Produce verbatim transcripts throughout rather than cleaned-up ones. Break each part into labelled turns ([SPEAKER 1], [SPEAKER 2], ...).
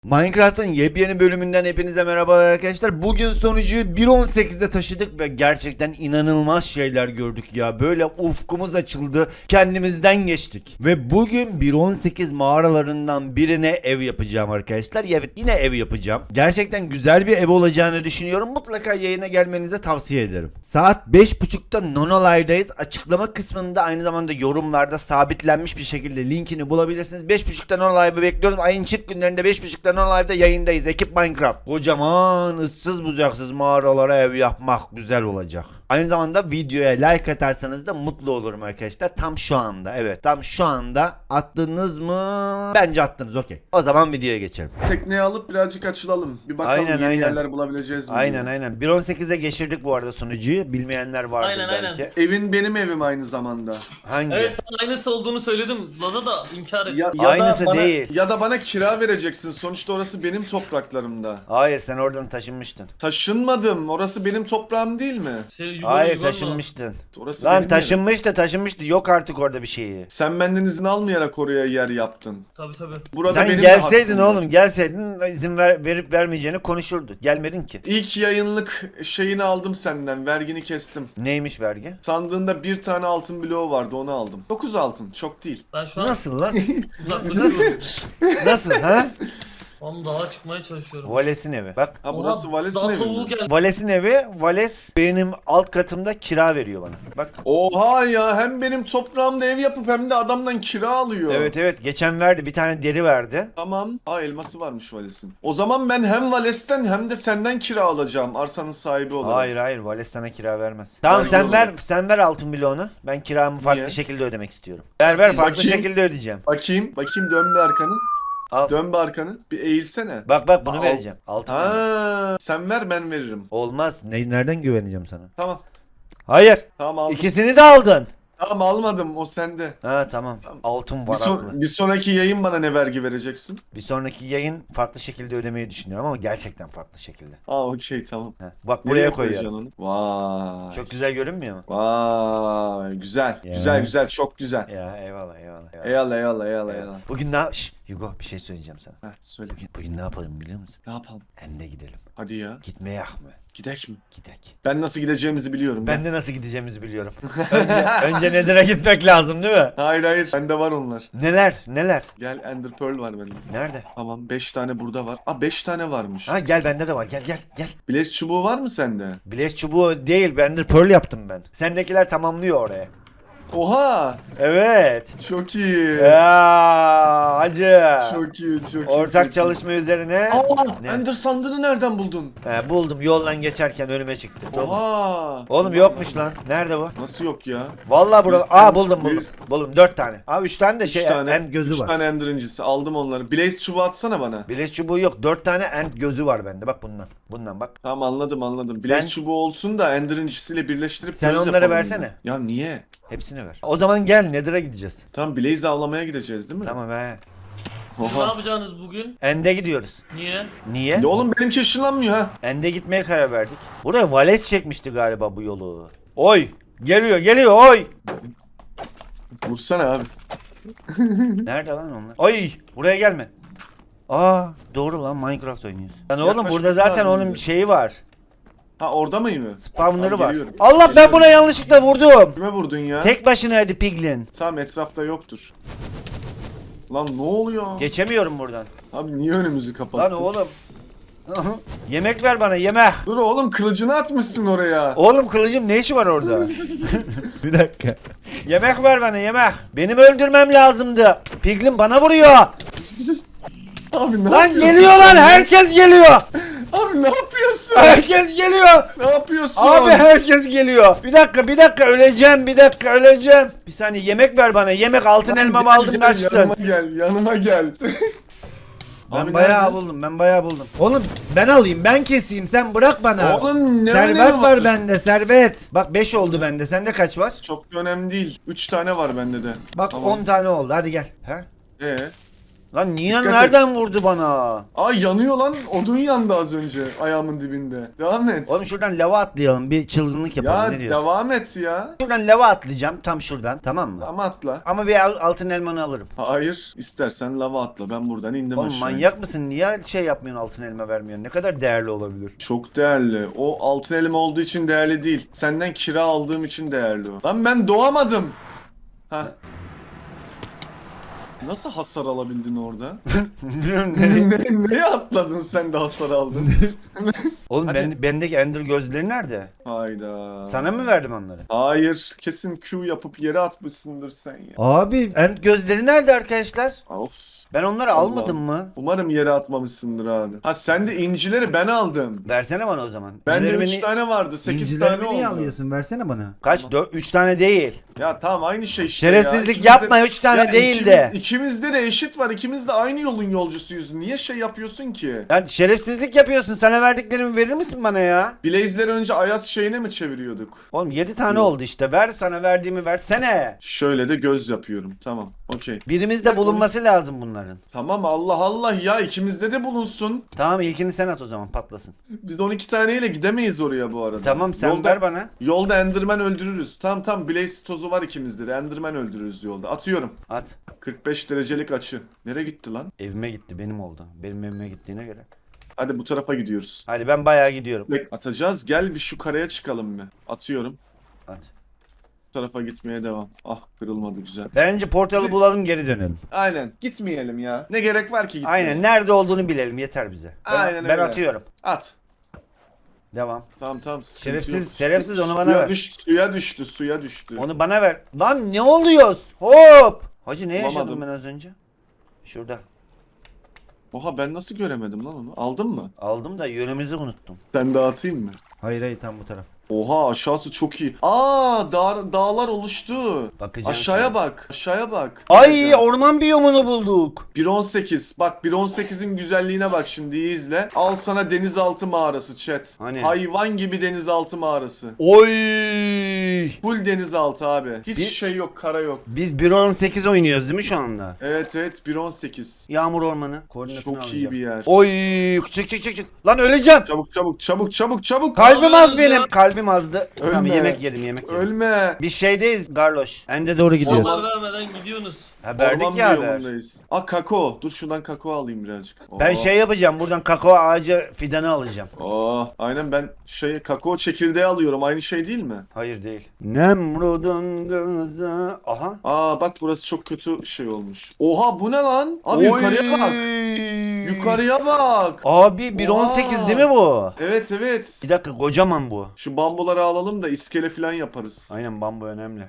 [SPEAKER 1] Minecraft'ın yepyeni bölümünden hepinize merhabalar arkadaşlar. Bugün sonucuyu bir nokta on sekize taşıdık ve gerçekten inanılmaz şeyler gördük ya. Böyle ufkumuz açıldı, kendimizden geçtik. Ve bugün bir nokta on sekiz mağaralarından birine ev yapacağım arkadaşlar. Evet, yine ev yapacağım. Gerçekten güzel bir ev olacağını düşünüyorum. Mutlaka yayına gelmenizi tavsiye ederim. Saat beş buçukta Nono Live'dayız. Açıklama kısmında aynı zamanda yorumlarda sabitlenmiş bir şekilde linkini bulabilirsiniz. beş buçukta Nono Live'ı bekliyoruz. Ayın çift günlerinde beş buçukta Nono Live'da yayındayız. Ekip Minecraft. Kocaman ıssız bucaksız mağaralara ev yapmak güzel olacak. Aynı zamanda videoya like atarsanız da mutlu olurum arkadaşlar. Tam şu anda, evet, tam şu anda attınız mı? Bence attınız, okey. O zaman videoya geçelim.
[SPEAKER 2] Tekneyi alıp birazcık açılalım. Bir bakalım
[SPEAKER 1] Aynen,
[SPEAKER 2] yeni
[SPEAKER 1] aynen.
[SPEAKER 2] yerler bulabileceğiz mi?
[SPEAKER 1] Aynen
[SPEAKER 2] diye.
[SPEAKER 1] aynen. bir nokta on sekize geçirdik bu arada sunucuyu. Bilmeyenler vardır
[SPEAKER 3] Aynen,
[SPEAKER 1] belki.
[SPEAKER 3] aynen.
[SPEAKER 2] Evin benim evim aynı zamanda.
[SPEAKER 1] Hangi?
[SPEAKER 3] Evet, ben aynısı olduğunu söyledim. Laza da inkar etti.
[SPEAKER 2] Ya, ya
[SPEAKER 1] Aynısı
[SPEAKER 2] da bana,
[SPEAKER 1] değil.
[SPEAKER 2] Ya da bana kira vereceksin. Sonuçta orası benim topraklarımda.
[SPEAKER 1] Hayır, sen oradan taşınmıştın.
[SPEAKER 2] Taşınmadım. Orası benim toprağım değil mi?
[SPEAKER 3] Şey, yuvarlı
[SPEAKER 1] Hayır,
[SPEAKER 3] yuvarlı.
[SPEAKER 1] taşınmıştın.
[SPEAKER 2] Orası
[SPEAKER 1] Lan
[SPEAKER 2] benim yerim.
[SPEAKER 1] taşınmıştı taşınmıştı. Yok artık orada bir şeyi.
[SPEAKER 2] Sen benden izin almayarak oraya yer yaptın.
[SPEAKER 3] Tabii tabii.
[SPEAKER 2] Burada
[SPEAKER 1] Sen
[SPEAKER 2] benim de
[SPEAKER 1] gelseydin
[SPEAKER 2] hakkım var.
[SPEAKER 1] oğlum, gelseydin izin ver, verip vermeyeceğini konuşurduk. Gelmedin ki.
[SPEAKER 2] İlk yayınlık şeyini aldım senden. Vergini kestim.
[SPEAKER 1] Neymiş vergi?
[SPEAKER 2] Sandığında bir tane altın bloğu vardı, onu aldım. dokuz altın, çok değil.
[SPEAKER 3] Ben şu an
[SPEAKER 1] Nasıl lan?
[SPEAKER 3] uzaklaşıyorum.
[SPEAKER 1] Nasıl ha?
[SPEAKER 3] Oğlum dağa çıkmaya çalışıyorum.
[SPEAKER 1] Vales'in evi. Bak.
[SPEAKER 2] Ha burası
[SPEAKER 3] Oha,
[SPEAKER 2] Vales'in
[SPEAKER 3] dağ
[SPEAKER 2] evi
[SPEAKER 3] tavuğu
[SPEAKER 2] mi?
[SPEAKER 3] geldi.
[SPEAKER 1] Vales'in evi. Vales benim alt katımda kira veriyor bana. Bak.
[SPEAKER 2] Oha ya, hem benim toprağımda ev yapıp hem de adamdan kira alıyor.
[SPEAKER 1] Evet evet, geçen verdi, bir tane deri verdi.
[SPEAKER 2] Tamam. Aa, elması varmış Vales'in. O zaman ben hem Vales'ten hem de senden kira alacağım arsanın sahibi olarak.
[SPEAKER 1] Hayır hayır, Vales sana kira vermez. Tamam,
[SPEAKER 2] Vergi
[SPEAKER 1] sen ver,
[SPEAKER 2] olarak.
[SPEAKER 1] sen ver altın bloğunu. Ben kiramı farklı
[SPEAKER 2] Niye?
[SPEAKER 1] şekilde ödemek istiyorum. Ver ver, farklı
[SPEAKER 2] Bakayım.
[SPEAKER 1] şekilde ödeyeceğim.
[SPEAKER 2] Bakayım, bakayım dön bir arkanı.
[SPEAKER 1] Al.
[SPEAKER 2] Dön bir arkanı. Bir eğilsene.
[SPEAKER 1] Bak bak, bunu
[SPEAKER 2] Al.
[SPEAKER 1] vereceğim. Altın bloğu.
[SPEAKER 2] Ha, sen ver ben veririm.
[SPEAKER 1] Olmaz. Ne, nereden güveneceğim sana?
[SPEAKER 2] Tamam.
[SPEAKER 1] Hayır.
[SPEAKER 2] Tamam aldım.
[SPEAKER 1] İkisini de aldın.
[SPEAKER 2] Tamam almadım, o sende.
[SPEAKER 1] Ha tamam.
[SPEAKER 2] Tamam.
[SPEAKER 1] Altın
[SPEAKER 2] Bir,
[SPEAKER 1] var
[SPEAKER 2] son-
[SPEAKER 1] haklı.
[SPEAKER 2] bir sonraki yayın bana ne vergi vereceksin?
[SPEAKER 1] Bir sonraki yayın farklı şekilde ödemeyi düşünüyorum ama gerçekten farklı şekilde.
[SPEAKER 2] Aa okey tamam.
[SPEAKER 1] Heh, bak
[SPEAKER 2] Nereye
[SPEAKER 1] buraya
[SPEAKER 2] koyacaksın
[SPEAKER 1] koyuyorum.
[SPEAKER 2] onu? Vay.
[SPEAKER 1] Çok güzel görünmüyor mu?
[SPEAKER 2] Vay güzel.
[SPEAKER 1] Ya.
[SPEAKER 2] Güzel güzel, çok güzel.
[SPEAKER 1] Ya eyvallah eyvallah. eyvallah.
[SPEAKER 2] Eyvallah eyvallah eyvallah eyvallah.
[SPEAKER 1] Bugün ne Şşş, Hugo, bir şey söyleyeceğim sana.
[SPEAKER 2] Heh, söyle.
[SPEAKER 1] Bugün, bugün ne yapalım biliyor musun?
[SPEAKER 2] Ne yapalım?
[SPEAKER 1] Ende gidelim.
[SPEAKER 2] Hadi ya.
[SPEAKER 1] Gitmeye mı?
[SPEAKER 2] Gidek mi?
[SPEAKER 1] Gidek.
[SPEAKER 2] Ben nasıl gideceğimizi biliyorum.
[SPEAKER 1] Ben de nasıl gideceğimizi biliyorum. önce, önce Nether'a gitmek lazım değil mi?
[SPEAKER 2] Hayır hayır. Bende var onlar.
[SPEAKER 1] Neler neler?
[SPEAKER 2] Gel, Ender Pearl var bende.
[SPEAKER 1] Nerede?
[SPEAKER 2] Tamam, beş tane burada var. Aa, beş tane varmış.
[SPEAKER 1] Ha gel, bende de var, gel gel gel.
[SPEAKER 2] Blaze çubuğu var mı sende?
[SPEAKER 1] Blaze çubuğu değil, Ender Pearl yaptım ben. Sendekiler tamamlıyor oraya.
[SPEAKER 2] Oha!
[SPEAKER 1] Evet.
[SPEAKER 2] Çok iyi.
[SPEAKER 1] Ya hacı.
[SPEAKER 2] Çok iyi, çok iyi.
[SPEAKER 1] Ortak
[SPEAKER 2] çok iyi.
[SPEAKER 1] çalışma üzerine.
[SPEAKER 2] Aa,
[SPEAKER 1] Ne?
[SPEAKER 2] Ender sandığını nereden buldun?
[SPEAKER 1] He, buldum, yoldan geçerken önüme çıktı. Oğlum,
[SPEAKER 2] Oha!
[SPEAKER 1] Oğlum yokmuş lan. Nerede bu?
[SPEAKER 2] Nasıl yok ya?
[SPEAKER 1] Vallahi burada.
[SPEAKER 2] Biz-
[SPEAKER 1] Aa buldum buldum.
[SPEAKER 2] biz-
[SPEAKER 1] Buldum dört tane. Aa üç tane de
[SPEAKER 2] Üç
[SPEAKER 1] şey
[SPEAKER 2] tane,
[SPEAKER 1] end gözü
[SPEAKER 2] üç
[SPEAKER 1] var.
[SPEAKER 2] tane Ender incisi. Aldım onları. Blaze çubuğu atsana bana.
[SPEAKER 1] Blaze çubuğu yok. Dört tane end gözü var bende. Bak bundan. Bundan bak.
[SPEAKER 2] Tamam, anladım anladım. Blaze
[SPEAKER 1] Sen-
[SPEAKER 2] çubuğu olsun da Ender incisiyle birleştirip
[SPEAKER 1] Sen
[SPEAKER 2] göz
[SPEAKER 1] onları
[SPEAKER 2] yapalım
[SPEAKER 1] versene.
[SPEAKER 2] ya. Ya niye?
[SPEAKER 1] Hepsini ver. O zaman gel Nether'a gideceğiz.
[SPEAKER 2] Tamam, Blaze avlamaya gideceğiz değil mi?
[SPEAKER 1] Tamam he.
[SPEAKER 3] Siz ne
[SPEAKER 2] Oha.
[SPEAKER 3] yapacaksınız bugün?
[SPEAKER 1] End'e gidiyoruz.
[SPEAKER 3] Niye?
[SPEAKER 1] Niye?
[SPEAKER 2] Ya oğlum benimki ışınlanmıyor ha.
[SPEAKER 1] End'e gitmeye karar verdik. Buraya Vales çekmişti galiba bu yolu. Oy! Geliyor geliyor oy!
[SPEAKER 2] Vursana abi.
[SPEAKER 1] Nerede lan onlar? Ay! Buraya gelme. Aa doğru lan, Minecraft oynuyoruz. Lan oğlum
[SPEAKER 2] Yaklaşması
[SPEAKER 1] burada zaten
[SPEAKER 2] lazım
[SPEAKER 1] onun
[SPEAKER 2] bize.
[SPEAKER 1] şeyi var.
[SPEAKER 2] Ha, orada mıyım?
[SPEAKER 1] Spawner'ı
[SPEAKER 2] Abi
[SPEAKER 1] var.
[SPEAKER 2] geliyorum.
[SPEAKER 1] Allah, ben
[SPEAKER 2] Geliyorum.
[SPEAKER 1] buna yanlışlıkla vurdum.
[SPEAKER 2] Kime vurdun ya?
[SPEAKER 1] Tek başınaydı Piglin.
[SPEAKER 2] Tamam, etrafta yoktur. Lan ne oluyor?
[SPEAKER 1] Geçemiyorum buradan.
[SPEAKER 2] Abi niye önümüzü kapattın?
[SPEAKER 1] Lan oğlum. Yemek ver bana, yemek.
[SPEAKER 2] Dur oğlum, kılıcını atmışsın oraya.
[SPEAKER 1] Oğlum kılıcım ne işi var orada? Bir dakika. Yemek ver bana, yemek. Benim öldürmem lazımdı. Piglin bana vuruyor.
[SPEAKER 2] Abi ne
[SPEAKER 1] Lan
[SPEAKER 2] yapıyorsun?
[SPEAKER 1] geliyor lan,
[SPEAKER 2] sen?
[SPEAKER 1] herkes geliyor.
[SPEAKER 2] Abi ne yapıyorsun?
[SPEAKER 1] Herkes geliyor.
[SPEAKER 2] Ne yapıyorsun?
[SPEAKER 1] Abi herkes geliyor. Bir dakika bir dakika öleceğim, bir dakika öleceğim. Bir saniye, yemek ver bana, yemek. Altın
[SPEAKER 2] Lan
[SPEAKER 1] elmamı
[SPEAKER 2] gel,
[SPEAKER 1] aldım,
[SPEAKER 2] gel,
[SPEAKER 1] kaçtın.
[SPEAKER 2] Yanıma gel, yanıma gel.
[SPEAKER 1] Ben
[SPEAKER 2] Abi
[SPEAKER 1] bayağı
[SPEAKER 2] nerede?
[SPEAKER 1] buldum, ben bayağı buldum. Oğlum ben alayım, ben keseyim, sen bırak bana.
[SPEAKER 2] Oğlum ne
[SPEAKER 1] Servet
[SPEAKER 2] önemi
[SPEAKER 1] var bende, servet. Bak beş oldu bende, sende kaç var?
[SPEAKER 2] Çok da önemli değil. üç tane var bende de.
[SPEAKER 1] Bak
[SPEAKER 2] Tamam.
[SPEAKER 1] on tane oldu, hadi gel. Ha?
[SPEAKER 2] Ee,
[SPEAKER 1] Lan Nina
[SPEAKER 2] Dikkat
[SPEAKER 1] nereden
[SPEAKER 2] et.
[SPEAKER 1] vurdu bana?
[SPEAKER 2] Aa yanıyor lan. Odun yandı az önce ayağımın dibinde. Devam et.
[SPEAKER 1] Oğlum şuradan lava atlayalım, bir çılgınlık yapalım,
[SPEAKER 2] Ya
[SPEAKER 1] ne diyorsun?
[SPEAKER 2] devam et ya.
[SPEAKER 1] Şuradan lava atlayacağım, tam şuradan, tamam mı?
[SPEAKER 2] Ama atla.
[SPEAKER 1] Ama bir al- altın elmanı alırım.
[SPEAKER 2] Hayır. İstersen lava atla. Ben buradan indim
[SPEAKER 1] Oğlum
[SPEAKER 2] aşağıya.
[SPEAKER 1] manyak mısın? Niye şey yapmıyorsun, altın elma vermiyorsun? Ne kadar değerli olabilir?
[SPEAKER 2] Çok değerli. O altın elim olduğu için değerli değil. Senden kira aldığım için değerli o. Lan ben doğamadım. Ha. Nasıl hasar alabildin orada? ne, neye atladın sen de hasar aldın?
[SPEAKER 1] Oğlum
[SPEAKER 2] Hadi.
[SPEAKER 1] ben, bendeki ender gözleri nerede?
[SPEAKER 2] Hayda.
[SPEAKER 1] Sana mı verdim onları?
[SPEAKER 2] Hayır. Kesin Q yapıp yere atmışsındır sen ya.
[SPEAKER 1] Abi end gözleri nerede arkadaşlar?
[SPEAKER 2] Of.
[SPEAKER 1] Ben onları
[SPEAKER 2] Allah.
[SPEAKER 1] almadım mı?
[SPEAKER 2] Umarım yere atmamışsındır abi. Ha sen de incileri ben aldım.
[SPEAKER 1] Versene bana o zaman.
[SPEAKER 2] Bende
[SPEAKER 1] İncilerimi
[SPEAKER 2] üç
[SPEAKER 1] ni-
[SPEAKER 2] tane vardı. sekiz
[SPEAKER 1] İncilerimi
[SPEAKER 2] tane
[SPEAKER 1] niye
[SPEAKER 2] oldu.
[SPEAKER 1] alıyorsun? Versene bana. Kaç? üç tane değil.
[SPEAKER 2] Ya tamam aynı şey işte
[SPEAKER 1] Şerefsizlik
[SPEAKER 2] ya. İkimiz de-
[SPEAKER 1] yapma, üç tane
[SPEAKER 2] Ya
[SPEAKER 1] değil
[SPEAKER 2] ikimiz-
[SPEAKER 1] de.
[SPEAKER 2] İkimizde de eşit var. İkimiz de aynı yolun yolcusuyuz. Niye şey yapıyorsun ki?
[SPEAKER 1] Ya şerefsizlik yapıyorsun. Sana verdiklerimi verir misin bana ya?
[SPEAKER 2] Blaze'leri önce Ayaz şeyine mi çeviriyorduk?
[SPEAKER 1] Oğlum yedi tane
[SPEAKER 2] Yok.
[SPEAKER 1] oldu işte. Ver, sana verdiğimi versene.
[SPEAKER 2] Şöyle de göz yapıyorum. Tamam. Okey.
[SPEAKER 1] Birimizde bulunması lazım bunların.
[SPEAKER 2] Tamam Allah Allah ya ikimizde de bulunsun.
[SPEAKER 1] Tamam, ilkini sen at o zaman, patlasın.
[SPEAKER 2] Biz on iki taneyle gidemeyiz oraya bu arada.
[SPEAKER 1] Tamam, sen
[SPEAKER 2] yolda,
[SPEAKER 1] ver bana.
[SPEAKER 2] Yolda Enderman öldürürüz. Tamam tamam Blaze tozu var ikimizde de. Enderman öldürürüz yolda. Atıyorum.
[SPEAKER 1] At.
[SPEAKER 2] kırk beş derecelik açı. Nereye gitti lan?
[SPEAKER 1] Evime gitti, benim oldu. Benim evime gittiğine göre.
[SPEAKER 2] Hadi bu tarafa gidiyoruz.
[SPEAKER 1] Hadi ben bayağı gidiyorum.
[SPEAKER 2] Atacağız. Gel bir şu karaya çıkalım bir. Atıyorum.
[SPEAKER 1] At.
[SPEAKER 2] Bu tarafa gitmeye devam. Ah kırılmadı güzel.
[SPEAKER 1] Bence portalı bulalım, geri dönelim.
[SPEAKER 2] Aynen. Gitmeyelim ya. Ne gerek var ki gitmeye?
[SPEAKER 1] Aynen, nerede olduğunu bilelim, yeter bize. Ben,
[SPEAKER 2] Aynen
[SPEAKER 1] ben
[SPEAKER 2] öyle.
[SPEAKER 1] atıyorum.
[SPEAKER 2] At.
[SPEAKER 1] Devam.
[SPEAKER 2] Tamam tamam. sıkıntı
[SPEAKER 1] Şerefsiz-
[SPEAKER 2] yok.
[SPEAKER 1] şerefsiz, onu bana
[SPEAKER 2] suya
[SPEAKER 1] ver.
[SPEAKER 2] Düş, suya düştü. Suya düştü.
[SPEAKER 1] Onu bana ver. Lan ne oluyoruz? Hop! Hacı ne yaşadım
[SPEAKER 2] Bulamadım.
[SPEAKER 1] ben az önce? Şurada.
[SPEAKER 2] Oha ben nasıl göremedim lan onu? Aldın mı?
[SPEAKER 1] Aldım da yönümüzü unuttum.
[SPEAKER 2] Sen dağıtayım mı?
[SPEAKER 1] Hayır hayır, tam bu taraf.
[SPEAKER 2] Oha aşağısı çok iyi. Aa dağ, dağlar oluştu.
[SPEAKER 1] Bakacağım
[SPEAKER 2] Aşağıya
[SPEAKER 1] sana.
[SPEAKER 2] bak. Aşağıya bak.
[SPEAKER 1] Ay,
[SPEAKER 2] Bakacağım.
[SPEAKER 1] orman biyomunu bulduk.
[SPEAKER 2] bir on sekiz. Bak bir on sekizin güzelliğine bak şimdi iyi izle. Al sana denizaltı mağarası chat.
[SPEAKER 1] Hani?
[SPEAKER 2] Hayvan gibi denizaltı mağarası.
[SPEAKER 1] Oy!
[SPEAKER 2] Full denizaltı abi. Hiç
[SPEAKER 1] Bir-
[SPEAKER 2] şey yok, kara yok.
[SPEAKER 1] Biz bir on sekiz oynuyoruz değil mi şu anda?
[SPEAKER 2] Evet evet bir on sekiz.
[SPEAKER 1] Yağmur ormanı. Koordinatını
[SPEAKER 2] Çok iyi
[SPEAKER 1] alacağım.
[SPEAKER 2] bir yer.
[SPEAKER 1] Oy! Çık çık çık çık. Lan öleceğim.
[SPEAKER 2] Çabuk çabuk çabuk çabuk çabuk.
[SPEAKER 1] Kalbim az
[SPEAKER 3] yapıyorsunuz
[SPEAKER 1] benim.
[SPEAKER 3] ya?
[SPEAKER 1] Kalbim azdı. Tamam,
[SPEAKER 2] Ölme.
[SPEAKER 1] yemek yedim yemek yedim.
[SPEAKER 2] Ölme.
[SPEAKER 1] Biz şeydeyiz Garloş. Ende doğru gidiyoruz.
[SPEAKER 3] Haber vermeden gidiyorsunuz.
[SPEAKER 1] Ha, verdik
[SPEAKER 2] Orman
[SPEAKER 1] ya haber.
[SPEAKER 2] biyomundayız. Aa kakao. Dur şuradan kakao alayım birazcık.
[SPEAKER 1] Ben
[SPEAKER 2] Oo.
[SPEAKER 1] şey yapacağım, buradan kakao ağacı fidanı alacağım.
[SPEAKER 2] Aa, aynen ben şey kakao çekirdeği alıyorum. Aynı şey değil mi?
[SPEAKER 1] Hayır değil. Nemrud'un kızı. Aha.
[SPEAKER 2] Aa bak burası çok kötü şey olmuş. Oha bu ne lan? Abi yukarıya bak. Yukarıya bak.
[SPEAKER 1] Abi bir on sekiz
[SPEAKER 2] Oha.
[SPEAKER 1] değil mi bu?
[SPEAKER 2] Evet evet.
[SPEAKER 1] Bir dakika, kocaman bu.
[SPEAKER 2] Şu bambuları alalım da iskele falan yaparız.
[SPEAKER 1] Aynen, bambu önemli.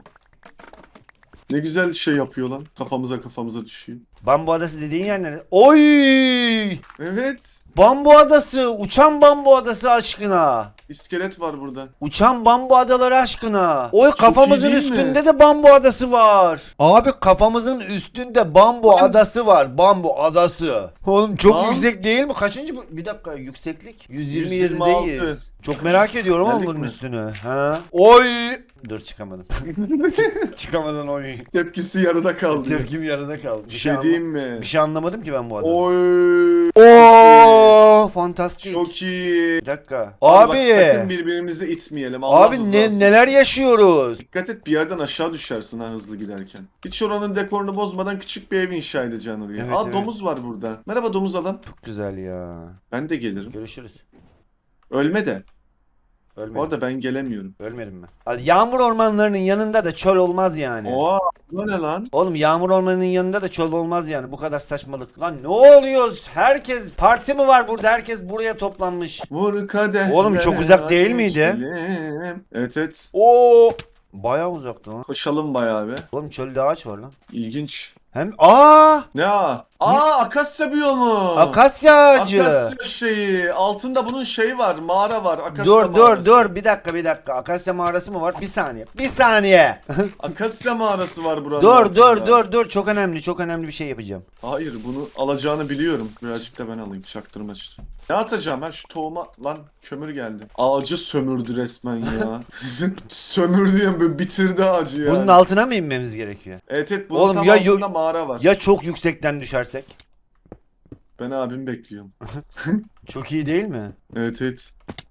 [SPEAKER 2] Ne güzel şey yapıyor lan. Kafamıza kafamıza düşüyor.
[SPEAKER 1] Bambu adası dediğin yer nerede? Oy!
[SPEAKER 2] Evet.
[SPEAKER 1] Bambu adası, uçan bambu adası aşkına.
[SPEAKER 2] İskelet var burada.
[SPEAKER 1] Uçan bambu adaları aşkına. Oy, kafamızın
[SPEAKER 2] iyi değil mi?
[SPEAKER 1] üstünde de bambu adası var. Abi kafamızın üstünde bambu
[SPEAKER 2] Lan-
[SPEAKER 1] adası var. Bambu adası. Oğlum çok
[SPEAKER 2] Lan-
[SPEAKER 1] yüksek değil mi? Kaçıncı bu? Bir dakika, yükseklik. yüz yirmi
[SPEAKER 2] yüz yirmi altı.
[SPEAKER 1] yedideyiz. Çok merak ediyorum ama
[SPEAKER 2] Geldik
[SPEAKER 1] bunun
[SPEAKER 2] mi?
[SPEAKER 1] üstünü. Ha? Oy! Dur, çıkamadım. Çıkamadan oy.
[SPEAKER 2] Tepkisi yarıda kaldı.
[SPEAKER 1] Tepkim yarıda kaldı.
[SPEAKER 2] Bir şey diyeyim mi?
[SPEAKER 1] Bir şey anlamadım ki ben bu adamı.
[SPEAKER 2] Oy.
[SPEAKER 1] Oo, fantastik.
[SPEAKER 2] Çok iyi.
[SPEAKER 1] Bir dakika.
[SPEAKER 2] Abi, bak,
[SPEAKER 1] Abi.
[SPEAKER 2] sakın birbirimizi itmeyelim. Allah
[SPEAKER 1] Abi ne,
[SPEAKER 2] rızası
[SPEAKER 1] neler yaşıyoruz?
[SPEAKER 2] Dikkat et bir yerden aşağı düşersin ha hızlı giderken. Hiç oranın dekorunu bozmadan küçük bir ev inşa edeceksin oraya.
[SPEAKER 1] Evet,
[SPEAKER 2] Aa
[SPEAKER 1] evet.
[SPEAKER 2] domuz var burada. Merhaba domuz adam.
[SPEAKER 1] Çok güzel ya.
[SPEAKER 2] Ben de gelirim.
[SPEAKER 1] Görüşürüz.
[SPEAKER 2] Ölme de.
[SPEAKER 1] Ölmedim.
[SPEAKER 2] Bu arada ben gelemiyorum.
[SPEAKER 1] Ölmedim ben. Hadi, yağmur ormanlarının yanında da çöl olmaz yani.
[SPEAKER 2] Oha bu ne lan?
[SPEAKER 1] Oğlum, yağmur ormanının yanında da çöl olmaz yani. Bu kadar saçmalık. Lan ne oluyoruz? Herkes, parti mi var burada? Herkes buraya toplanmış.
[SPEAKER 2] Vur kadeh.
[SPEAKER 1] Oğlum, çok uzak değil miydi?
[SPEAKER 2] Evet evet.
[SPEAKER 1] Oo! Bayağı uzaktı lan.
[SPEAKER 2] Koşalım bayağı be.
[SPEAKER 1] Oğlum, çölde ağaç var lan.
[SPEAKER 2] İlginç.
[SPEAKER 1] Hem aa!
[SPEAKER 2] Ne a? Aa akasya biyomu.
[SPEAKER 1] Akasya ağacı.
[SPEAKER 2] Akasya şeyi. Altında bunun şeyi var. Mağara var. Akasya
[SPEAKER 1] Dur dur
[SPEAKER 2] mağarası.
[SPEAKER 1] dur, bir dakika bir dakika. Akasya mağarası mı var? Bir saniye. Bir saniye.
[SPEAKER 2] Akasya mağarası var buranın
[SPEAKER 1] dur
[SPEAKER 2] altında.
[SPEAKER 1] dur dur dur, çok önemli çok önemli bir şey yapacağım.
[SPEAKER 2] Hayır bunu alacağını biliyorum. Birazcık da ben alayım. Çaktırma işte. Ne atacağım ha şu tohuma lan kömür geldi. Ağacı sömürdü resmen ya. Sizin sömürdü ya böyle bitirdi ağacı ya.
[SPEAKER 1] Bunun altına mı inmemiz gerekiyor?
[SPEAKER 2] Evet evet bunun
[SPEAKER 1] Oğlum
[SPEAKER 2] tam
[SPEAKER 1] ya,
[SPEAKER 2] altında
[SPEAKER 1] yo-
[SPEAKER 2] mağara var.
[SPEAKER 1] Ya çok yüksekten düşersek?
[SPEAKER 2] Ben abimi bekliyorum.
[SPEAKER 1] Çok iyi değil mi?
[SPEAKER 2] Evet evet.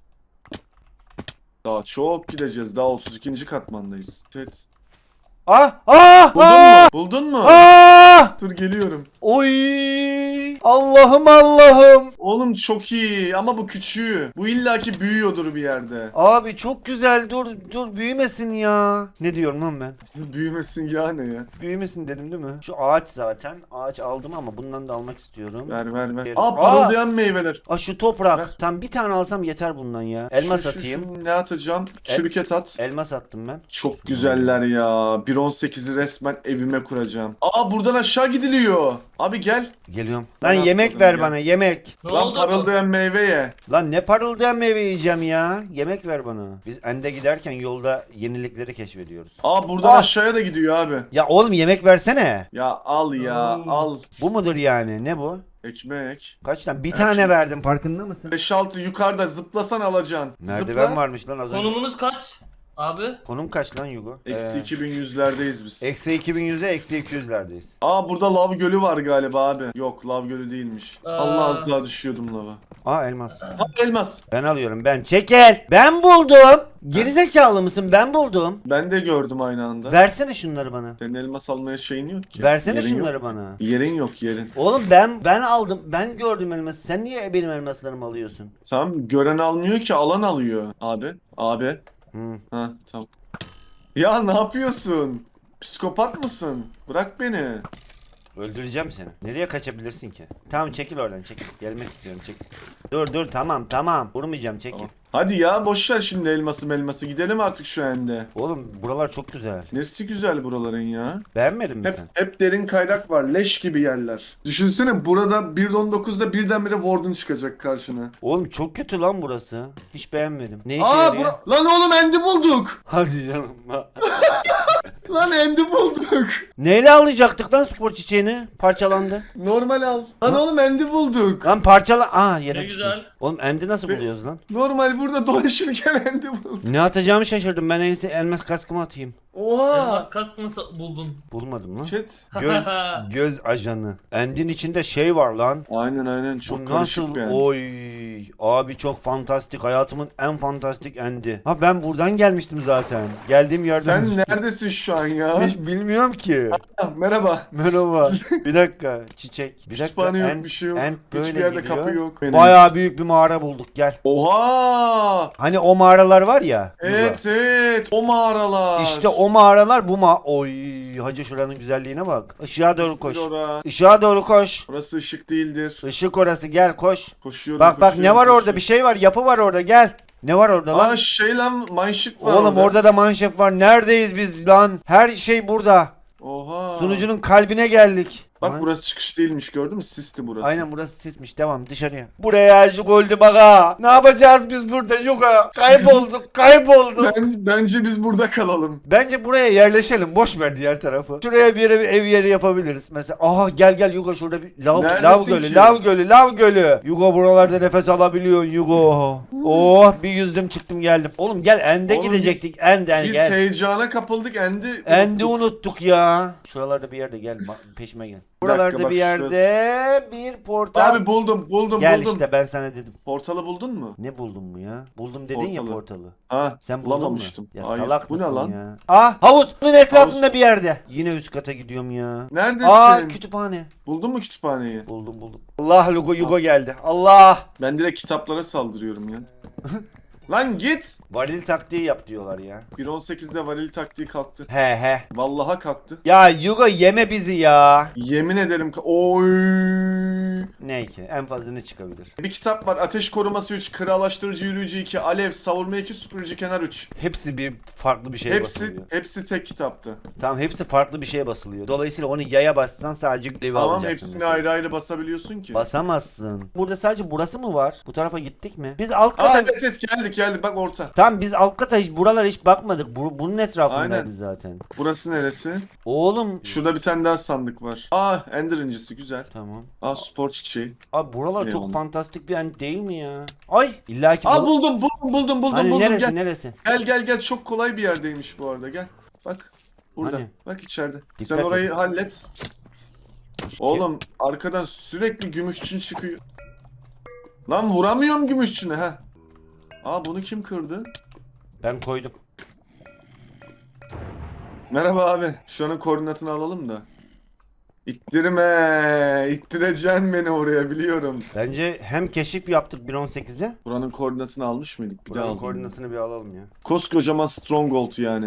[SPEAKER 2] Daha çok gideceğiz. Daha otuz ikinci katmandayız. Evet.
[SPEAKER 1] Ah! Ah!
[SPEAKER 2] Buldun
[SPEAKER 1] Ah!
[SPEAKER 2] mu? Buldun mu?
[SPEAKER 1] Ah!
[SPEAKER 2] Dur geliyorum.
[SPEAKER 1] Oy! Allah'ım Allah'ım.
[SPEAKER 2] Oğlum çok iyi ama bu küçüğü. Bu illaki büyüyordur bir yerde.
[SPEAKER 1] Abi çok güzel. Dur dur büyümesin ya. Ne diyorum lan ben?
[SPEAKER 2] Büyümesin ya ne ya?
[SPEAKER 1] Büyümesin dedim değil mi? Şu ağaç zaten. Ağaç aldım ama bundan da almak istiyorum.
[SPEAKER 2] Ver ver ver.
[SPEAKER 1] Ver.
[SPEAKER 2] Aa parıldayan meyveler.
[SPEAKER 1] Aa şu toprak.
[SPEAKER 2] Ver.
[SPEAKER 1] Tam bir tane alsam yeter bundan ya. Elmas
[SPEAKER 2] Şu, şu,
[SPEAKER 1] atayım.
[SPEAKER 2] şu, ne atacağım? Çürüket at.
[SPEAKER 1] Elmas attım ben.
[SPEAKER 2] Çok güzeller ya. bir on sekizi resmen evime kuracağım. Aa buradan aşağı gidiliyor. Abi gel.
[SPEAKER 1] Geliyorum.
[SPEAKER 2] Ben
[SPEAKER 1] Lan yemek
[SPEAKER 2] atmadım
[SPEAKER 1] ver
[SPEAKER 2] ya.
[SPEAKER 1] bana yemek.
[SPEAKER 3] Ne
[SPEAKER 2] Lan
[SPEAKER 3] oldu?
[SPEAKER 2] parıldayan meyve ye.
[SPEAKER 1] Lan ne parıldayan meyve yiyeceğim ya. Yemek ver bana. Biz Ende giderken yolda yenilikleri keşfediyoruz.
[SPEAKER 2] Aa buradan
[SPEAKER 1] Ah.
[SPEAKER 2] aşağıya da gidiyor abi.
[SPEAKER 1] Ya oğlum yemek versene.
[SPEAKER 2] Ya al ya
[SPEAKER 3] Oo.
[SPEAKER 2] al.
[SPEAKER 1] Bu mudur yani? Ne bu?
[SPEAKER 2] Ekmek.
[SPEAKER 1] Kaç tane? Bir
[SPEAKER 2] Evet,
[SPEAKER 1] tane
[SPEAKER 2] şimdi-
[SPEAKER 1] verdim farkında mısın?
[SPEAKER 2] beş altı yukarıda zıplasan alacaksın.
[SPEAKER 1] Merdiven
[SPEAKER 2] Zıpla.
[SPEAKER 1] varmış lan az önce.
[SPEAKER 3] Konumunuz kaç? Abi.
[SPEAKER 1] Konum kaç lan Yugo?
[SPEAKER 2] Eksi
[SPEAKER 1] Ee,
[SPEAKER 2] iki bin yüzlerdeyiz biz.
[SPEAKER 1] Eksi iki bin yüze eksi iki yüzlerdeyiz.
[SPEAKER 2] Aa burada lav gölü var galiba abi. Yok lav gölü değilmiş.
[SPEAKER 3] Aa.
[SPEAKER 2] Allah az daha düşüyordum lava.
[SPEAKER 1] Aa elmas.
[SPEAKER 2] Ha elmas.
[SPEAKER 1] Ben alıyorum ben. Çekil. Ben buldum. Gerizekalı mısın? Ben buldum.
[SPEAKER 2] Ben de gördüm aynı anda.
[SPEAKER 1] Versene şunları bana.
[SPEAKER 2] Senin elmas almaya şeyin yok ki.
[SPEAKER 1] Versene
[SPEAKER 2] Yerin
[SPEAKER 1] şunları
[SPEAKER 2] yok.
[SPEAKER 1] bana.
[SPEAKER 2] Yerin yok yerin.
[SPEAKER 1] Oğlum ben ben aldım. Ben gördüm elması. Sen niye benim elmaslarımı alıyorsun?
[SPEAKER 2] Tamam gören almıyor ki alan alıyor. Abi. Abi.
[SPEAKER 1] Hı.
[SPEAKER 2] Ha tamam. Ya ne yapıyorsun? Psikopat mısın? Bırak beni.
[SPEAKER 1] Öldüreceğim seni. Nereye kaçabilirsin ki? Tamam çekil oradan çekil. Gelmek istiyorum çekil. Dur dur tamam tamam. Vurmayacağım çekil.
[SPEAKER 2] Tamam. Hadi ya boş ver şimdi elması melması. Gidelim artık şu ende.
[SPEAKER 1] Oğlum buralar çok güzel.
[SPEAKER 2] Neresi güzel buraların ya?
[SPEAKER 1] Beğenmedin mi
[SPEAKER 2] Hep,
[SPEAKER 1] sen?
[SPEAKER 2] hep derin kaynak var. Leş gibi yerler. Düşünsene burada bir nokta on dokuzda birdenbire Warden çıkacak karşına.
[SPEAKER 1] Oğlum çok kötü lan burası. Hiç beğenmedim. Ne işe
[SPEAKER 2] Aa
[SPEAKER 1] yarıyor?
[SPEAKER 2] bura... Lan oğlum endi bulduk.
[SPEAKER 1] Hadi canım.
[SPEAKER 2] Lan endi bulduk.
[SPEAKER 1] Neyle alacaktık lan spor çiçeğini? Parçalandı.
[SPEAKER 2] Normal al. Lan oğlum endi bulduk.
[SPEAKER 1] Lan parçala... Aa yere
[SPEAKER 3] Ne
[SPEAKER 1] düşmüş.
[SPEAKER 3] güzel.
[SPEAKER 1] Oğlum endi nasıl
[SPEAKER 2] Be-
[SPEAKER 1] buluyoruz lan?
[SPEAKER 2] Normal burada dolaşırken endi bulduk.
[SPEAKER 1] Ne atacağımı şaşırdım. Ben en iyisi elmas kaskımı atayım.
[SPEAKER 2] Oha.
[SPEAKER 3] Elmas kask mı sa- buldun?
[SPEAKER 1] Bulmadım lan.
[SPEAKER 2] Chat.
[SPEAKER 1] Göz, göz ajanı. Endin içinde şey var lan.
[SPEAKER 2] Aynen aynen
[SPEAKER 1] Bu
[SPEAKER 2] çok karışık
[SPEAKER 1] nasıl?
[SPEAKER 2] bir end.
[SPEAKER 1] Oy. Abi çok fantastik. Hayatımın en fantastik endi. Ha ben buradan gelmiştim zaten. Geldiğim yerden.
[SPEAKER 2] Sen neredesin şu an ya?
[SPEAKER 1] Hiç bilmiyorum ki.
[SPEAKER 2] Ah, merhaba.
[SPEAKER 1] Merhaba. Bir dakika. Çiçek. Bir dakika.
[SPEAKER 2] Kütüphane yok
[SPEAKER 1] End-
[SPEAKER 2] bir şey yok.
[SPEAKER 1] end böyle
[SPEAKER 2] Hiçbir yerde
[SPEAKER 1] gidiyor.
[SPEAKER 2] kapı yok. Benim.
[SPEAKER 1] Bayağı büyük bir mağara bulduk gel.
[SPEAKER 2] Oha.
[SPEAKER 1] Hani o mağaralar var ya.
[SPEAKER 2] Evet evet o mağaralar.
[SPEAKER 1] İşte o mağaralar bu ma... Oy hacı şuranın güzelliğine bak. Işığa doğru koş.
[SPEAKER 2] Isıtır ora.
[SPEAKER 1] Işığa doğru koş.
[SPEAKER 2] Orası ışık değildir.
[SPEAKER 1] Işık orası gel koş.
[SPEAKER 2] Koşuyorum
[SPEAKER 1] Bak bak ne
[SPEAKER 2] koşuyorum,
[SPEAKER 1] var orada
[SPEAKER 2] koşuyorum.
[SPEAKER 1] bir şey var yapı var orada gel. Ne var orada lan?
[SPEAKER 2] Aa şey lan mineshift var
[SPEAKER 1] Oğlum orada da manşef var. Neredeyiz biz lan? Her şey burada.
[SPEAKER 2] Oha.
[SPEAKER 1] Sunucunun kalbine geldik.
[SPEAKER 2] Bak
[SPEAKER 1] Lan-
[SPEAKER 2] burası çıkış değilmiş gördün mü? Sisti burası.
[SPEAKER 1] Aynen burası sismiş. Devam dışarıya. Buraya aşık oldu baka. Ne yapacağız biz burada Yuka? Kaybolduk kaybolduk.
[SPEAKER 2] Ben, bence biz burada kalalım.
[SPEAKER 1] Bence buraya yerleşelim. Boş ver diğer tarafı. Şuraya bir yere bir ev yeri yapabiliriz. Mesela aha gel gel Yugo şurada bir lav,
[SPEAKER 2] Neredesin
[SPEAKER 1] lav gölü,
[SPEAKER 2] ki?
[SPEAKER 1] lav gölü, lav gölü. Yugo buralarda nefes alabiliyorsun Yugo. Oh bir yüzdüm çıktım geldim. Oğlum gel End'e
[SPEAKER 2] Oğlum
[SPEAKER 1] gidecektik. End end
[SPEAKER 2] Biz
[SPEAKER 1] gel.
[SPEAKER 2] heyecana kapıldık endi
[SPEAKER 1] End'i
[SPEAKER 2] unuttuk.
[SPEAKER 1] unuttuk ya. Şuralarda bir yerde gel bak, peşime gel.
[SPEAKER 2] Bir dakika,
[SPEAKER 1] Buralarda
[SPEAKER 2] bak
[SPEAKER 1] bir yerde bir portal.
[SPEAKER 2] Abi buldum buldum
[SPEAKER 1] Gel
[SPEAKER 2] buldum.
[SPEAKER 1] işte ben sana dedim.
[SPEAKER 2] Portalı buldun mu?
[SPEAKER 1] Ne buldun mu ya? Buldum dedin ya
[SPEAKER 2] Portalı.
[SPEAKER 1] portalı.
[SPEAKER 2] Ha
[SPEAKER 1] Sen buldun mu?
[SPEAKER 2] bulamamıştım.
[SPEAKER 1] Ya
[SPEAKER 2] Hayır.
[SPEAKER 1] salak
[SPEAKER 2] Bu ne
[SPEAKER 1] mısın
[SPEAKER 2] lan?
[SPEAKER 1] ya? Ah havuz. Bunun etrafında bir yerde. Yine üst kata gidiyorum ya.
[SPEAKER 2] Neredesin?
[SPEAKER 1] Aa kütüphane.
[SPEAKER 2] Buldun mu kütüphaneyi?
[SPEAKER 1] Buldum buldum. Allah Lugo Yugo geldi. Allah.
[SPEAKER 2] Ben direkt kitaplara saldırıyorum ya. Lan git.
[SPEAKER 1] Varil taktiği yap diyorlar ya.
[SPEAKER 2] bir on sekizde varil taktiği kalktı.
[SPEAKER 1] He he.
[SPEAKER 2] Vallaha kalktı.
[SPEAKER 1] Ya Yugo yeme bizi ya.
[SPEAKER 2] Yemin ederim ka- Oy.
[SPEAKER 1] Ne ki? En fazla ne çıkabilir?
[SPEAKER 2] Bir kitap var. Ateş koruması üç, krallaştırıcı yürüyücü iki, alev, savurma iki, süpürücü kenar üç.
[SPEAKER 1] Hepsi bir farklı bir şeye
[SPEAKER 2] Hepsi
[SPEAKER 1] basılıyor.
[SPEAKER 2] hepsi tek kitaptı.
[SPEAKER 1] Tamam hepsi farklı bir şeye basılıyor. Dolayısıyla onu yaya bassan sadece levi
[SPEAKER 2] Tamam
[SPEAKER 1] alacaksın.
[SPEAKER 2] hepsini
[SPEAKER 1] mesela.
[SPEAKER 2] ayrı ayrı basabiliyorsun ki.
[SPEAKER 1] Basamazsın. Burada sadece burası mı var? Bu tarafa gittik mi? Biz alt
[SPEAKER 2] Aa
[SPEAKER 1] kata...
[SPEAKER 2] evet evet geldik geldik bak orta.
[SPEAKER 1] Tamam biz alt kata hiç buralara hiç bakmadık. Bu, bunun etrafındaydı
[SPEAKER 2] Aynen.
[SPEAKER 1] zaten.
[SPEAKER 2] Burası neresi?
[SPEAKER 1] Oğlum.
[SPEAKER 2] Şurada bir tane daha sandık var. Aa ender incisi güzel.
[SPEAKER 1] Tamam.
[SPEAKER 2] Aa spor çiçeği.
[SPEAKER 1] Abi buralar çok
[SPEAKER 2] Eyvallah.
[SPEAKER 1] fantastik bir yer değil mi ya? Ay illa ki
[SPEAKER 2] Aa
[SPEAKER 1] bul-
[SPEAKER 2] buldum buldum buldum buldum
[SPEAKER 1] Hani
[SPEAKER 2] buldum
[SPEAKER 1] neresi
[SPEAKER 2] gel.
[SPEAKER 1] neresi?
[SPEAKER 2] Gel gel gel çok kolay bir yerdeymiş bu arada gel. Bak burada.
[SPEAKER 1] Hani?
[SPEAKER 2] Bak içeride.
[SPEAKER 1] Dikkat
[SPEAKER 2] Sen
[SPEAKER 1] et.
[SPEAKER 2] orayı hallet. Oğlum arkadan sürekli gümüşçün çıkıyor. Lan vuramıyorum gümüşçüne ha. Aa bunu kim kırdı?
[SPEAKER 1] Ben koydum.
[SPEAKER 2] Merhaba abi. Şuranın koordinatını alalım da. İttirme. İttireceksin beni oraya biliyorum.
[SPEAKER 1] Bence hem keşif yaptık bir on sekize.
[SPEAKER 2] Buranın koordinatını almış mıydık? Bir daha
[SPEAKER 1] Buranın
[SPEAKER 2] alalım.
[SPEAKER 1] koordinatını bir alalım ya.
[SPEAKER 2] Koskocaman Stronghold yani.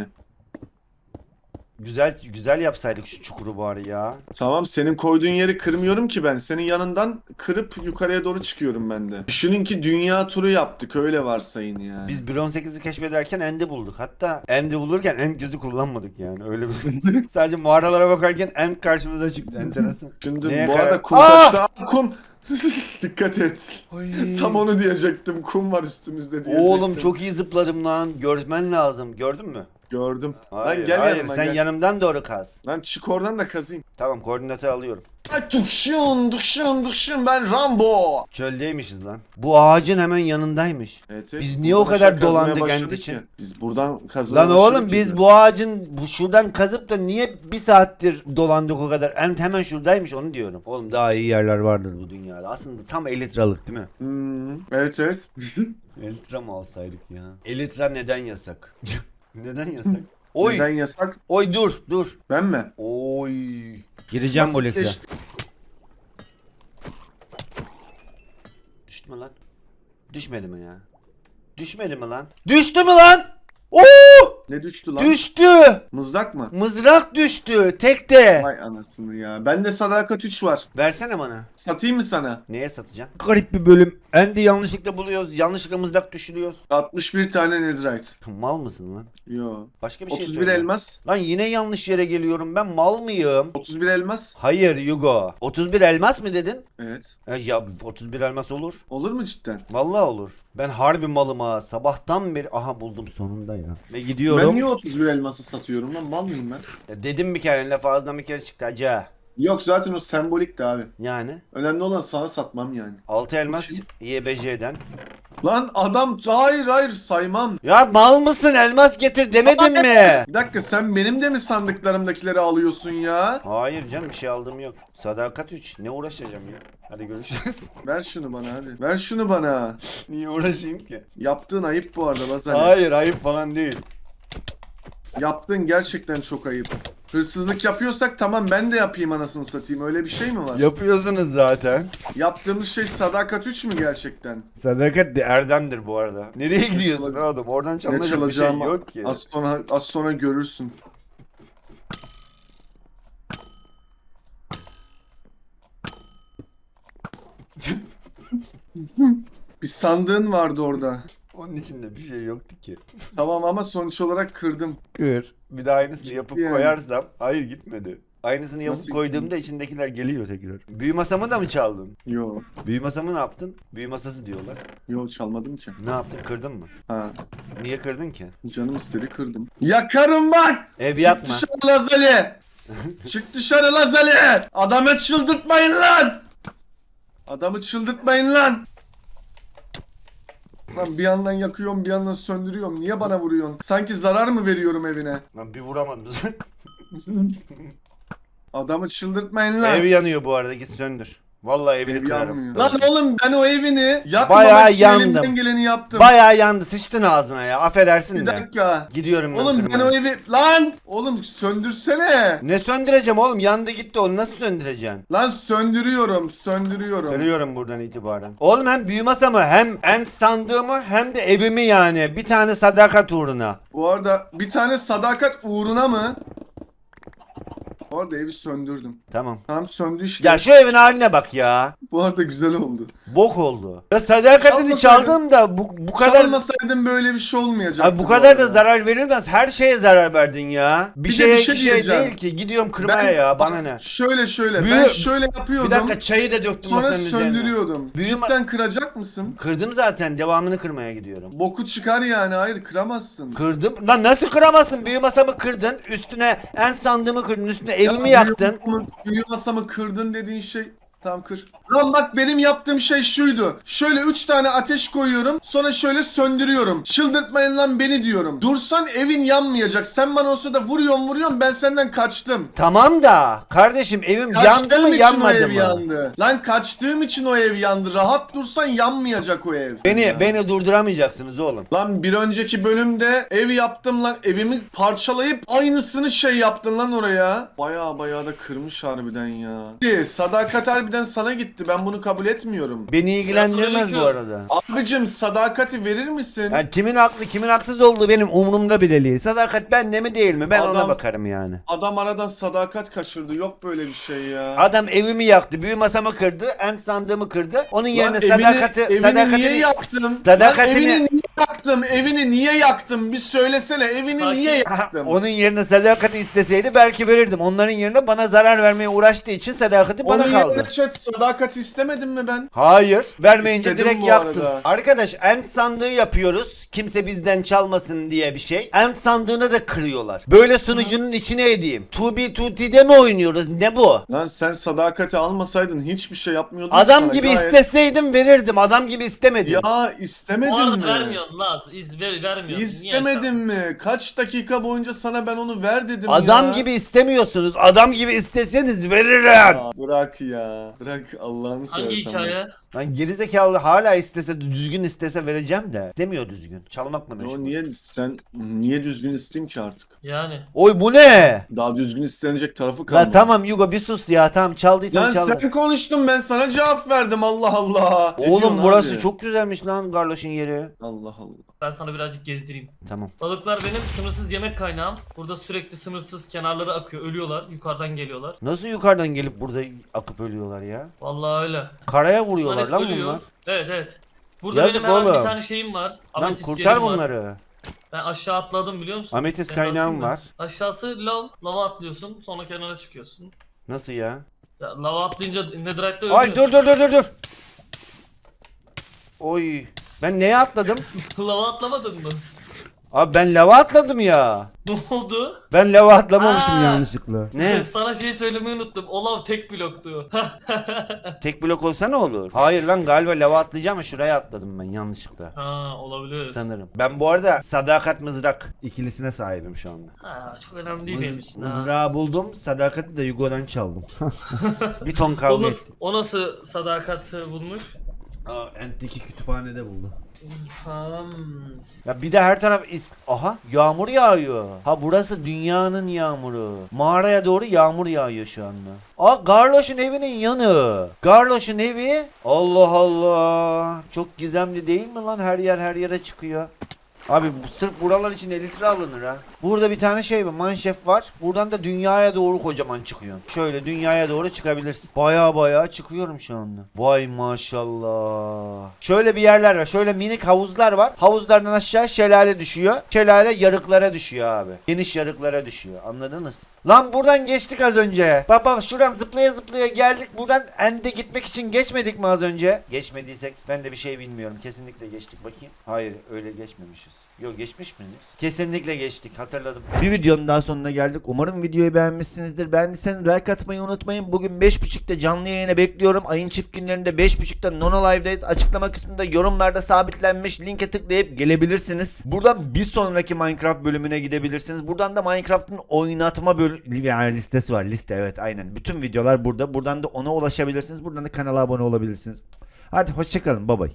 [SPEAKER 1] Güzel güzel yapsaydık şu çukuru bari ya.
[SPEAKER 2] Tamam senin koyduğun yeri kırmıyorum ki ben. Senin yanından kırıp yukarıya doğru çıkıyorum ben de. Düşünün ki dünya turu yaptık öyle varsayın yani.
[SPEAKER 1] Biz bir on sekizi keşfederken End'i bulduk. Hatta End'i bulurken End gözü kullanmadık yani. Öyle bir sadece mağaralara bakarken End karşımıza çıktı. Enteresan.
[SPEAKER 2] Şimdi
[SPEAKER 1] Neye
[SPEAKER 2] bu
[SPEAKER 1] karar-
[SPEAKER 2] arada kum
[SPEAKER 1] Aa!
[SPEAKER 2] taştı. Aa, kum. Dikkat et. Tam onu diyecektim. Kum var üstümüzde diyecektim.
[SPEAKER 1] Oğlum çok iyi zıpladım lan. Görmen lazım. Gördün mü?
[SPEAKER 2] Gördüm.
[SPEAKER 1] Hayır,
[SPEAKER 2] Lan gel
[SPEAKER 1] hayır.
[SPEAKER 2] yanıma
[SPEAKER 1] Sen
[SPEAKER 2] gel.
[SPEAKER 1] yanımdan doğru kaz.
[SPEAKER 2] Lan çık oradan da kazayım.
[SPEAKER 1] Tamam koordinatı alıyorum.
[SPEAKER 2] Ay dıkşın dıkşın dıkşın ben Rambo.
[SPEAKER 1] Çöldeymişiz lan. Bu ağacın hemen yanındaymış.
[SPEAKER 2] Evet, evet.
[SPEAKER 1] Biz niye o
[SPEAKER 2] Buradan
[SPEAKER 1] kadar
[SPEAKER 2] aşağı kazmaya
[SPEAKER 1] dolandık
[SPEAKER 2] başladık
[SPEAKER 1] End için?
[SPEAKER 2] ya. Biz buradan kazmaya
[SPEAKER 1] Lan oğlum
[SPEAKER 2] başladık
[SPEAKER 1] biz
[SPEAKER 2] ya.
[SPEAKER 1] bu ağacın bu şuradan kazıp da niye bir saattir dolandık o kadar? End hemen şuradaymış onu diyorum. Oğlum daha iyi yerler vardır bu dünyada. Aslında tam elitralık değil mi?
[SPEAKER 2] Hmm, evet evet.
[SPEAKER 1] Elitra mı alsaydık ya? Elitra neden yasak? Neden yasak? Oy!
[SPEAKER 2] Neden yasak?
[SPEAKER 1] Oy dur dur.
[SPEAKER 2] Ben mi?
[SPEAKER 1] Oy. Gireceğim bu Elitra.
[SPEAKER 2] Basitleşti.
[SPEAKER 1] Düştü mü lan? Düşmedi mi ya? Düşmedi mi lan? Düştü mü lan? Oo!
[SPEAKER 2] Ne düştü lan?
[SPEAKER 1] Düştü.
[SPEAKER 2] Mızrak mı?
[SPEAKER 1] Mızrak düştü. Tek de.
[SPEAKER 2] Vay anasını ya. Bende sadakat üç var.
[SPEAKER 1] Versene bana.
[SPEAKER 2] Satayım mı sana?
[SPEAKER 1] Neye satacağım? Garip bir bölüm. Endi yanlışlıkla buluyoruz. Yanlışlıkla mızrak düşürüyoruz.
[SPEAKER 2] altmış bir tane netherite.
[SPEAKER 1] Mal mısın lan?
[SPEAKER 2] Yo.
[SPEAKER 1] Başka bir şey
[SPEAKER 2] otuz bir
[SPEAKER 1] söyle.
[SPEAKER 2] elmas.
[SPEAKER 1] Lan yine yanlış yere geliyorum. Ben mal mıyım?
[SPEAKER 2] otuz bir elmas.
[SPEAKER 1] Hayır Yugo. otuz bir elmas mı dedin?
[SPEAKER 2] Evet.
[SPEAKER 1] E, ya otuz bir elmas olur.
[SPEAKER 2] Olur mu cidden?
[SPEAKER 1] Vallahi olur. Ben harbi malım ha. Sabahtan beri aha buldum sonunda ya. Ve
[SPEAKER 2] Ben
[SPEAKER 1] gidiyorum.
[SPEAKER 2] niye otuz bir elması satıyorum lan? Mal mıyım ben?
[SPEAKER 1] Ya dedim bir kere laf ağzından bir kere çıktı acı.
[SPEAKER 2] Yok zaten o sembolikti abi.
[SPEAKER 1] Yani
[SPEAKER 2] Önemli olan sana satmam yani.
[SPEAKER 1] altı elmas Y B J'den.
[SPEAKER 2] Lan adam hayır hayır saymam.
[SPEAKER 1] Ya mal mısın elmas getir demedim mi?
[SPEAKER 2] Bir dakika sen benim de mi sandıklarımdakileri alıyorsun ya?
[SPEAKER 1] Hayır canım bir şey aldığım yok. Sadakat üç. Ne uğraşacağım ya? Hadi görüşürüz.
[SPEAKER 2] Ver şunu bana hadi. Ver şunu bana.
[SPEAKER 1] Niye uğraşayım ki?
[SPEAKER 2] Yaptığın ayıp bu arada Lazali.
[SPEAKER 1] Hayır ayıp falan değil.
[SPEAKER 2] Yaptığın gerçekten çok ayıp. Hırsızlık yapıyorsak tamam ben de yapayım anasını satayım. Öyle bir şey mi var?
[SPEAKER 1] Yapıyorsunuz zaten.
[SPEAKER 2] Yaptığımız şey sadakat üç mü gerçekten?
[SPEAKER 1] Sadakat de erdemdir bu arada. Nereye gidiyorsun
[SPEAKER 2] çalacağım?
[SPEAKER 1] oğlum? Oradan
[SPEAKER 2] Ne
[SPEAKER 1] çalınacak bir şey
[SPEAKER 2] çalacağımı
[SPEAKER 1] yok ki.
[SPEAKER 2] az sonra az sonra görürsün. Bir sandığın vardı orada.
[SPEAKER 1] Onun içinde bir şey yoktu ki.
[SPEAKER 2] Tamam ama sonuç olarak kırdım.
[SPEAKER 1] Kır. Bir de aynısını yapıp
[SPEAKER 2] yani.
[SPEAKER 1] koyarsam. Hayır gitmedi. Aynısını yapıp
[SPEAKER 2] Nasıl
[SPEAKER 1] koyduğumda içindekiler geliyor tekrar. Büyü masamı da mı çaldın?
[SPEAKER 2] Yo.
[SPEAKER 1] Büyü masamı ne yaptın? Büyü masası diyorlar.
[SPEAKER 2] Yo çalmadım ki.
[SPEAKER 1] Ne yaptın? Kırdın mı?
[SPEAKER 2] Ha.
[SPEAKER 1] Niye kırdın ki?
[SPEAKER 2] Canım istedi kırdım. Yakarım bak!
[SPEAKER 1] Ev
[SPEAKER 2] Çık
[SPEAKER 1] yapma.
[SPEAKER 2] dışarı Lazali! Çık dışarı Lazali! Adamı çıldırtmayın lan! Adamı çıldırtmayın lan! Lan bir yandan yakıyorum bir yandan söndürüyorum. Niye bana vuruyorsun? Sanki zarar mı veriyorum evine?
[SPEAKER 1] Lan bir vuramadım.
[SPEAKER 2] Adamı çıldırtmayın lan.
[SPEAKER 1] Ev yanıyor bu arada git söndür. Vallahi evini
[SPEAKER 2] Ev
[SPEAKER 1] kırarım.
[SPEAKER 2] yanmıyor. Lan oğlum ben o evini yapmamak
[SPEAKER 1] Bayağı
[SPEAKER 2] için
[SPEAKER 1] yandım.
[SPEAKER 2] elimden geleni yaptım.
[SPEAKER 1] Bayağı yandı sıçtın ağzına ya affedersin
[SPEAKER 2] Bir
[SPEAKER 1] de.
[SPEAKER 2] dakika.
[SPEAKER 1] Gidiyorum ben
[SPEAKER 2] Oğlum ben
[SPEAKER 1] kırmaya.
[SPEAKER 2] o evi... Lan! Oğlum söndürsene.
[SPEAKER 1] Ne söndüreceğim oğlum yandı gitti onu nasıl söndüreceksin?
[SPEAKER 2] Lan söndürüyorum, söndürüyorum.
[SPEAKER 1] Kırıyorum buradan itibaren. Oğlum hem büyü masamı hem en sandığımı hem de evimi yani. Bir tane sadakat uğruna.
[SPEAKER 2] Bu arada bir tane sadakat uğruna mı? Bu arada evi söndürdüm.
[SPEAKER 1] Tamam.
[SPEAKER 2] Tam söndü işte.
[SPEAKER 1] Ya şu evin haline bak ya.
[SPEAKER 2] Bu arada güzel oldu.
[SPEAKER 1] Bok oldu. Ya sadakatini
[SPEAKER 2] Çalmasaydın-
[SPEAKER 1] çaldım da bu, bu kadar...
[SPEAKER 2] Çalmasaydım böyle bir şey olmayacaktı.
[SPEAKER 1] Abi bu kadar da
[SPEAKER 2] arada.
[SPEAKER 1] zarar verilmez. Her şeye zarar verdin ya. Bir,
[SPEAKER 2] Bir de
[SPEAKER 1] şeye
[SPEAKER 2] bir şey
[SPEAKER 1] iki şey
[SPEAKER 2] diyeceğim.
[SPEAKER 1] değil ki. Gidiyorum kırmaya
[SPEAKER 2] Ben-
[SPEAKER 1] ya. Bana
[SPEAKER 2] bak,
[SPEAKER 1] ne?
[SPEAKER 2] Şöyle şöyle.
[SPEAKER 1] Büyü-
[SPEAKER 2] Ben şöyle yapıyordum.
[SPEAKER 1] Bir dakika çayı da döktüm
[SPEAKER 2] Sonra
[SPEAKER 1] masanın üzerine.
[SPEAKER 2] söndürüyordum.
[SPEAKER 1] Büyü ma-
[SPEAKER 2] Cidden kıracak mısın?
[SPEAKER 1] Kırdım zaten. Devamını kırmaya gidiyorum.
[SPEAKER 2] Boku çıkar yani. Hayır kıramazsın.
[SPEAKER 1] Kırdım. Lan nasıl kıramazsın? Büyü masamı kırdın. Üstüne en sandığımı kırdın. Üstüne evimi
[SPEAKER 2] Ya,
[SPEAKER 1] yaktın.
[SPEAKER 2] Büyü masamı, büyü masamı kırdın dediğin şey. Tamam kır. Lan bak benim yaptığım şey şuydu. Şöyle üç tane ateş koyuyorum. Sonra şöyle söndürüyorum. Çıldırtmayın lan beni diyorum. Dursan evin yanmayacak. Sen bana o sırada vuruyorsun vuruyorsun. Ben senden kaçtım.
[SPEAKER 1] Tamam da kardeşim evim yandı
[SPEAKER 2] Kaçtığım
[SPEAKER 1] mı
[SPEAKER 2] için o
[SPEAKER 1] yanmadı
[SPEAKER 2] ev
[SPEAKER 1] mı?
[SPEAKER 2] yandı. Lan kaçtığım için o ev yandı. Rahat dursan yanmayacak o ev.
[SPEAKER 1] Beni
[SPEAKER 2] Ya.
[SPEAKER 1] beni durduramayacaksınız oğlum.
[SPEAKER 2] Lan bir önceki bölümde ev yaptım lan. Evimi parçalayıp aynısını şey yaptın lan oraya. Baya baya da kırmış harbiden ya. Sadakat harbiden sana gitti. Ben bunu kabul etmiyorum.
[SPEAKER 1] Beni ilgilendirmez bu
[SPEAKER 3] Selamünaleyküm.
[SPEAKER 1] arada.
[SPEAKER 2] Abicim sadakati verir misin?
[SPEAKER 1] Yani kimin haklı kimin haksız olduğu benim umurumda bile değil. Sadakat bende mi değil mi? Ben ona
[SPEAKER 2] Adam-
[SPEAKER 1] bakarım yani.
[SPEAKER 2] Adam aradan sadakat kaçırdı. Yok böyle bir şey ya.
[SPEAKER 1] Adam evimi yaktı, büyü masamı kırdı, en sandığımı kırdı. Onun yerine
[SPEAKER 2] Lan evini,
[SPEAKER 1] sadakati,
[SPEAKER 2] evini
[SPEAKER 1] sadakatini...
[SPEAKER 2] niye yaktım?
[SPEAKER 1] Sadakatini-
[SPEAKER 2] Lan evini niye yaktım? Evini niye yaktım? Bir söylesene evini
[SPEAKER 3] Sakin.
[SPEAKER 2] niye
[SPEAKER 1] Aha,
[SPEAKER 2] yaktım?
[SPEAKER 1] onun yerine sadakati isteseydi belki verirdim. Onların yerine bana zarar vermeye uğraştığı için sadakati bana
[SPEAKER 2] Onun
[SPEAKER 1] kaldı.
[SPEAKER 2] yerine chat sadakat istemedim mi ben?
[SPEAKER 1] Hayır. Vermeyince
[SPEAKER 2] İstedim
[SPEAKER 1] direkt
[SPEAKER 2] bu
[SPEAKER 1] yaktın.
[SPEAKER 2] arada.
[SPEAKER 1] Arkadaş end sandığı yapıyoruz. Kimse bizden çalmasın diye bir şey. End sandığını da kırıyorlar. Böyle sunucunun içine edeyim. iki bi iki ti'de mi oynuyoruz? Ne bu?
[SPEAKER 2] Lan sen sadakati almasaydın hiçbir şey yapmıyordun.
[SPEAKER 1] Adam
[SPEAKER 2] sana.
[SPEAKER 1] gibi
[SPEAKER 2] Gayet-
[SPEAKER 1] isteseydim verirdim. Adam gibi istemedim.
[SPEAKER 2] Ya
[SPEAKER 3] Bu
[SPEAKER 2] istemedin
[SPEAKER 3] arada
[SPEAKER 2] mi?
[SPEAKER 3] vermiyorsun Laz. İz ver, vermiyorsun.
[SPEAKER 2] İstemedin mi? Kaç dakika boyunca sana ben onu ver dedim
[SPEAKER 1] Adam
[SPEAKER 2] ya.
[SPEAKER 1] gibi istemiyorsunuz. Adam gibi isteseniz veririm.
[SPEAKER 2] Ya bırak ya. Bırak Allah'ını seversen.
[SPEAKER 3] Hangi hikaye?
[SPEAKER 1] Lan gerizekalı hala istese düzgün istese vereceğim de. Demiyor düzgün. Çalmakla
[SPEAKER 2] Ya
[SPEAKER 1] meşgul.
[SPEAKER 2] o niye sen niye düzgün isteyeyim ki artık?
[SPEAKER 3] Yani.
[SPEAKER 1] Oy bu ne?
[SPEAKER 2] Daha düzgün istenecek tarafı
[SPEAKER 1] La
[SPEAKER 2] kalmadı.
[SPEAKER 1] tamam Yugo bir sus ya. Tamam çaldıysan
[SPEAKER 2] Lan
[SPEAKER 1] çaldın.
[SPEAKER 2] sen konuştun ben sana cevap verdim Allah Allah. Ne
[SPEAKER 1] Oğlum
[SPEAKER 2] diyorsun
[SPEAKER 1] burası
[SPEAKER 2] abi?
[SPEAKER 1] çok güzelmiş lan Garloş'un yeri.
[SPEAKER 2] Allah Allah.
[SPEAKER 3] Ben sana birazcık gezdireyim.
[SPEAKER 1] Tamam.
[SPEAKER 3] Balıklar benim sınırsız yemek kaynağım. Burada sürekli sınırsız kenarları akıyor. Ölüyorlar. Yukarıdan geliyorlar.
[SPEAKER 1] Nasıl yukarıdan gelip burada akıp ölüyorlar ya?
[SPEAKER 3] Vallahi öyle.
[SPEAKER 1] Karaya
[SPEAKER 3] Bunlar
[SPEAKER 1] vuruyorlar
[SPEAKER 3] hep
[SPEAKER 1] lan
[SPEAKER 3] ölüyor.
[SPEAKER 1] bunlar.
[SPEAKER 3] Evet evet. Burada
[SPEAKER 1] Yazık
[SPEAKER 3] benim hemen
[SPEAKER 1] oğlum.
[SPEAKER 3] bir tane şeyim var.
[SPEAKER 1] Lan
[SPEAKER 3] Ametist
[SPEAKER 1] kurtar
[SPEAKER 3] yerim var.
[SPEAKER 1] bunları.
[SPEAKER 3] Ben aşağı atladım biliyor musun?
[SPEAKER 1] Ametist
[SPEAKER 3] Seni de
[SPEAKER 1] kaynağım
[SPEAKER 3] atayım mı?
[SPEAKER 1] var.
[SPEAKER 3] Aşağısı lav. Lava atlıyorsun. Sonra kenara çıkıyorsun.
[SPEAKER 1] Nasıl ya?
[SPEAKER 3] Ya, lava atlayınca netherite'de
[SPEAKER 1] Ay
[SPEAKER 3] ölüyorsun.
[SPEAKER 1] dur dur dur dur dur. Oy. Ben neye atladım?
[SPEAKER 3] Lava atlamadın mı?
[SPEAKER 1] Abi ben lava atladım ya.
[SPEAKER 3] Ne oldu?
[SPEAKER 1] Ben lava atlamamışım
[SPEAKER 3] Aa.
[SPEAKER 1] yanlışlıkla. Ne?
[SPEAKER 3] Sana şey söylemeyi unuttum. O lav tek bloktu.
[SPEAKER 1] Tek blok olsa ne olur? Hayır lan galiba lava atlayacağım ama şuraya atladım ben yanlışlıkla.
[SPEAKER 3] Ha olabilir.
[SPEAKER 1] Sanırım. Ben bu arada sadakat mızrak ikilisine sahibim şu anda.
[SPEAKER 3] Ha çok önemli değil benim
[SPEAKER 1] Mız-
[SPEAKER 3] için. ha.
[SPEAKER 1] mızrağı buldum, sadakati de Yugo'dan çaldım. Bir ton
[SPEAKER 3] O
[SPEAKER 1] kavga
[SPEAKER 3] nasıl,
[SPEAKER 1] ettim.
[SPEAKER 3] o nasıl sadakat bulmuş?
[SPEAKER 1] Aa, Ent'teki kütüphanede buldu.
[SPEAKER 3] Tamam.
[SPEAKER 1] Ya bir de her taraf is... Aha yağmur yağıyor. Ha burası dünyanın yağmuru. Mağaraya doğru yağmur yağıyor şu anda. Aa Garloş'un evinin yanı. Garloş'un evi. Allah Allah. Çok gizemli değil mi lan? Her yer her yere çıkıyor. Abi bu sırf buralar için elli litre alınır ha. Burada bir tane şey var, manşef var. Buradan da dünyaya doğru kocaman çıkıyor. Şöyle dünyaya doğru çıkabilirsin. Baya baya çıkıyorum şu anda. Vay maşallah. Şöyle bir yerler var. Şöyle minik havuzlar var. Havuzlardan aşağı şelale düşüyor. Şelale yarıklara düşüyor abi. Geniş yarıklara düşüyor. Anladınız? Lan buradan geçtik az önce. Bak bak şuradan zıplaya zıplaya geldik. Buradan ende gitmek için geçmedik mi az önce? Geçmediysek ben de bir şey bilmiyorum. Kesinlikle geçtik bakayım. Hayır öyle geçmemişiz. Yok geçmiş miyiz? Kesinlikle geçtik hatırladım. Bir videonun daha sonuna geldik. Umarım videoyu beğenmişsinizdir. Beğendiyseniz like atmayı unutmayın. Bugün beş buçukta canlı yayına bekliyorum. Ayın çift günlerinde beş buçukta Nono Live'dayız. Açıklama kısmında yorumlarda sabitlenmiş linke tıklayıp gelebilirsiniz. Buradan bir sonraki Minecraft bölümüne gidebilirsiniz. Buradan da Minecraft'ın oynatma bölümü yani listesi var. Liste evet aynen. Bütün videolar burada. Buradan da ona ulaşabilirsiniz. Buradan da kanala abone olabilirsiniz. Hadi hoşçakalın. Bye bye.